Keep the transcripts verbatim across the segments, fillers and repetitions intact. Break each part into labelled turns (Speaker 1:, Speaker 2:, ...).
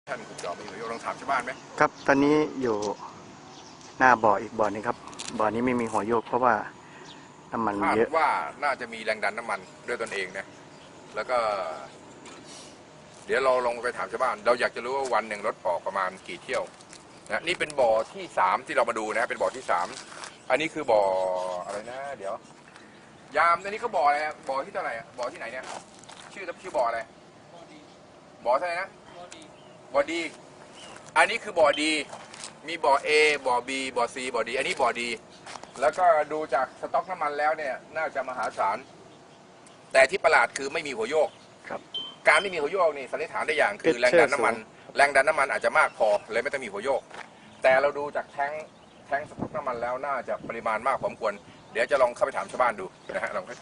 Speaker 1: ท่านคุณจอมีประโยชน์ลองถามชาวบ้านไหม
Speaker 2: ครับตอนนี้อยู่หน้าบ่ออีกบ่อนึงครับบ่อนี้ไม่มีหัวโยกเพราะว่าน้ำมันเยอะ
Speaker 1: ว่าน่าจะมีแรงดันน้ำมันด้วยตนเองนะแล้วก็เดี๋ยวเราลงไปถามชาวบ้านเราอยากจะรู้ว่าวันหนึ่งรถออกประมาณกี่เที่ยวนะนี่เป็นบ่อที่สามที่เรามาดูนะเป็นบ่อที่สามอันนี้คือบ่ออะไรนะเดี๋ยวยามอันนี้เขาบ่ออะไรบ่อที่เท่าไหร่บ่อที่ไหนเนี่ยชื่อชื่อบ่ออะไรบ่อเท่าไหร่นะบ่อดีอันนี้คือบ่อดีมีบ่อ A บ่อ B บ่อ C บ่อดีอันนี้บ่อดีแล้วก็ดูจากสต็อกน้ำมันแล้วเนี่ยน่าจะมหาศาลแต่ที่ประหลาดคือไม่มีหัวโยก
Speaker 2: ครับ
Speaker 1: การไม่มีหัวโยกนี่สันนิษฐานได้อย่างคือแรงดันน้ำมันแรงดันน้ำมันอาจจะมากพอเลยไม่ต้องมีหัวโยกแต่เราดูจากแท้งแท้งสต็อกน้ำมันแล้วน่าจะปริมาณมากพอสมควรเดี๋ยวจะลองเข้าไปถามชาวบ้านดูนะฮะลอง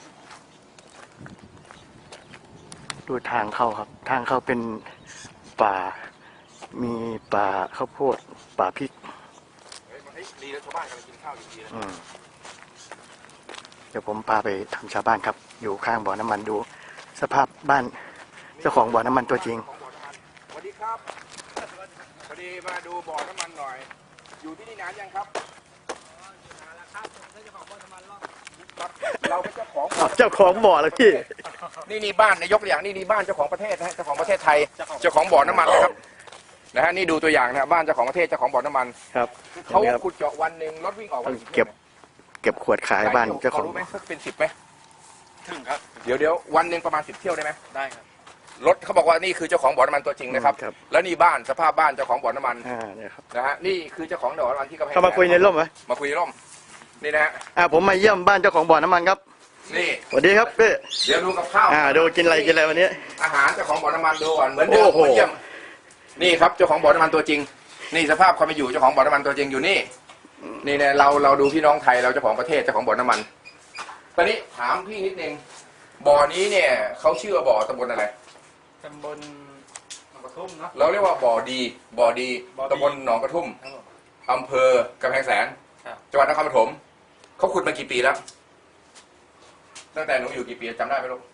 Speaker 2: ดูทางเข้าครับทางเข้าเป็นป่ามีป่าข้าวโพดป่าพริก
Speaker 1: ดีแล้วชาวบ้านกำลังกินข้าวอยู่ดีนะ
Speaker 2: เดี๋ยวผมพาไปทำชาวบ้านครับอยู่ข้างบ่อน้ำมันดูสภาพบ้านเจ้าของบ่อน้ำมันตัวจริง
Speaker 1: สวัสดีครับพอดีมาดูบ่อน้ำมันหน่อยอยู่ที่นี่นานยังครับนานแล้วครับเจ้าของบ่อน้ำมันเราเป็นเจ้าของ
Speaker 2: เจ้าของบ่อแล้วพี่
Speaker 1: นี่นี่บ้านนายกตัวอย่างนี่นี่บ้านเจ้าของประเทศนะเจ้าของประเทศไทยเจ้าของบ่อน้ำมันนะครับนะฮะนี่ดูตัวอย่างนะบ้านเจ้าของประเทศเจ้าของบ่อน้ำมัน
Speaker 2: ครับ
Speaker 1: เขาขุดเจาะวันหนึ่งรถวิ่งออกวัน
Speaker 2: เก็บเก็บขวดขายบ้านเจ้าของ
Speaker 1: รู้ไหมเป็นสิบไหม
Speaker 3: ถึงครับ
Speaker 1: เดี๋ยวเดี๋ยววันหนึ่งประมาณสิบเที่ยวได้ไหม
Speaker 3: ได้ครับ
Speaker 1: รถเขาบอกว่านี่คือเจ้าของบ่อน้ำมันตัวจริงนะครับแล้วนี่บ้านสภาพบ้านเจ้าของบ่อน้ำมันนะฮะนี่คือเจ้าของบ่อน้ำมันที่กำแพง
Speaker 2: เขามาคุยในร่มไหม
Speaker 1: มาคุยในร่มนี่นะฮะ
Speaker 2: อ่าผมมาเยี่ยมบ้านเจ้าของบ่อน้ำมันครับ
Speaker 1: นี่
Speaker 2: สวัสดีครับพี่
Speaker 1: เดี๋ยวดูกับข้าว
Speaker 2: อ่าดูกินอะไรกินอะไรวันนี้
Speaker 1: อาหารเจ้าของบ่อน้ำมันดูก่อนเหมือนเดิมมาเยี่ยมนี่ครับเจ้าของบ่อน้ำมันตัวจริงนี่สภาพความเป็นอยู่เจ้าของบ่อน้ำมันตัวจริงอยู่นี่นี่เนี่ยเราเราดูพี่น้องไทยเราเจ้าของประเทศเจ้าของบ่อน้ำมันตอนนี้ถามพี่นิดนึงบ่อนี้เนี่ยเขาชื่อว่าบ่อตำบลอะไร
Speaker 3: ตำบลหนองกระทุ่มเนาะ
Speaker 1: เราเรียกว่าบ่อดีบ่อดีตำบลหนองกระทุ่มอำเภอกำแพงแสนจังหวัดนครปฐมเขาขุดมากี่ปีแล้วตั้งแต่หนูอยู่กี่ปีจำได้ไหมลูก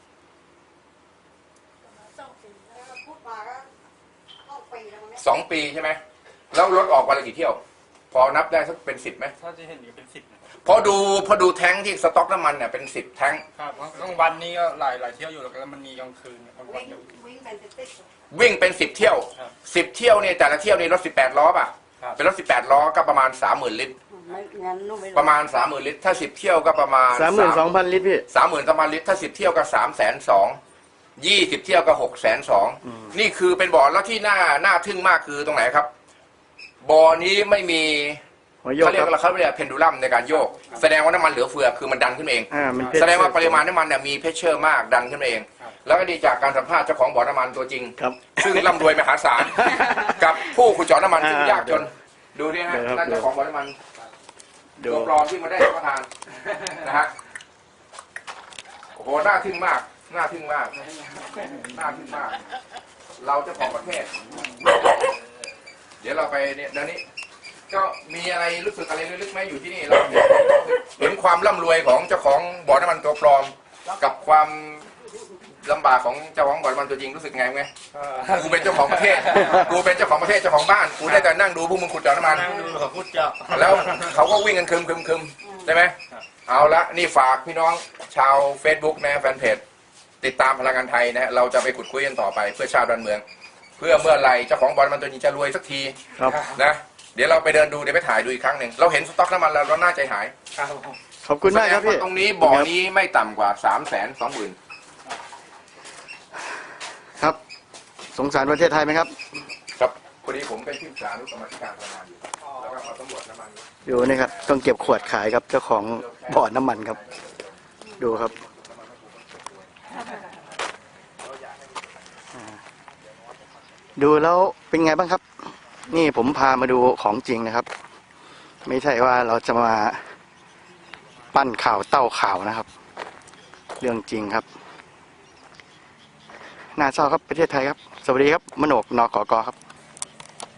Speaker 1: สองปีใช่ไหมแล้วรถออกวันละกี่เที่ยวพอนับได้สักเป็นสิบไหม
Speaker 3: ถ้าจะเห็นอยู่เป็นสิบ
Speaker 1: พอดูพอดูแท้งที่สต็อกน้ำมันเนี่ยเป็นสิบแท้ง
Speaker 3: ครับกลางวันนี้ก็หลายหลายเที่ยวอยู่แล้วก็มันมีกลางคืนกลางวัน
Speaker 1: วิ่งเป็นสิบเที่ยวสิบเที่ยวเนี่ยแต่ละเที่ยวนี่รถสิบแปดล้อป่ะเป็นรถสิบแปดล้อก็ประมาณสามหมื่นลิตรประมาณสามหมื่นลิตรถ้าสิบเที่ยวก็ประมาณ
Speaker 2: สามหมื่นสองพันลิตรพี่
Speaker 1: สามหมื่นสองพันลิตรถ้าสิบเที่ยวก็สามแสนสองยี่สิบเที่ยวก็หกแสนสองนี่คือเป็นบ่อแล้วที่น่าน่าทึ่งมากคือตรงไหนครับบ่อนี้ไม่มีเขาเรียกว่าเขาเรียกเพนดูลัมในการโยกแสดงว่าน้ำมันเหลือเฟือคือมันดันขึ้นเองแสดงว่าปริมาณน้ำมันเนี่ยมีเพชเชอร์มากดันขึ้นเองแล้วก็ดีจากการสัมภาษณ์เจ้าของบ่อน้ำมันตัวจริงซึ่งร่ำรวยมหาศาลกับผู้ขุดเจาะน้ำมันซึ่งยากจนดูนี่ฮะนั่นเจ้าของบ่อน้ำมันตัวปลอมที่มาได้รับประทานนะฮะโอ้โหน่าทึ่งมากน่าทึ่งมากน่าทึ่งมากเราเจ้าของประเทศเดี๋ยวเราไปเนี่ยเดี๋ยวนี้ก็มีอะไรรู้สึกอะไรลึกๆไหมอยู่ที่นี่เราเห็นความร่ำรวยของเจ้าของบ่อน้ำมันตัวปลอมกับความลำบากของเจ้าของบ่อน้ำมันตัวจริงรู้สึกไงไหมกูเป็นเจ้าของประเทศกูเป็นเจ้าของประเทศเจ้าของบ้านกูได้แต่นั่งดูพวกมึงขุดเจาะน้ำมัน
Speaker 3: นั่งดูเขาขุดเจาะ
Speaker 1: แล้วเขาก็วิ่งกันคึมคึมคึมใช่ไหมเอาละนี่ฝากพี่น้องชาว Facebook นะแฟนเพจติดตามพลังงานไทยนะเราจะไปขุดคุยกันต่อไปเพื่อชาวดอนเมือง เพื่อเมื่อไรเจ้าของบ่อน้ำมันตัวนี้จะรวยสักทีนะเดี๋ยวเราไปเดินดูเดี๋ยวไปถ่ายดูอีกครั้งหนึ่งเราเห็นสต็อกน้ำมันแล้วเราน่าใจหาย
Speaker 2: ขอบคุณมากครับพี่
Speaker 1: ตรงนี้บ่อนี้ไม่ต่ำกว่าสามแสนสองหมื่น
Speaker 2: ครับสงสารประเทศไทยไหมครับ
Speaker 1: ครับพอดีผมเป็นที่ปรึกษานุกรรมการพลังงานอยู่แล้วก็มาสำรวจน้ำมัน
Speaker 2: ดูนี่ครับต้องเก็บขวดขายครับเจ้าของบ่อน้ำมันครับดูครับดูแล้วเป็นไงบ้างครับนี่ผมพามาดูของจริงนะครับไม่ใช่ว่าเราจะมาปั้นข่าวเต้าข่าวนะครับเรื่องจริงครับน่าเศร้าครับประเทศไทยครับสวัสดีครับมโนกนกกครับ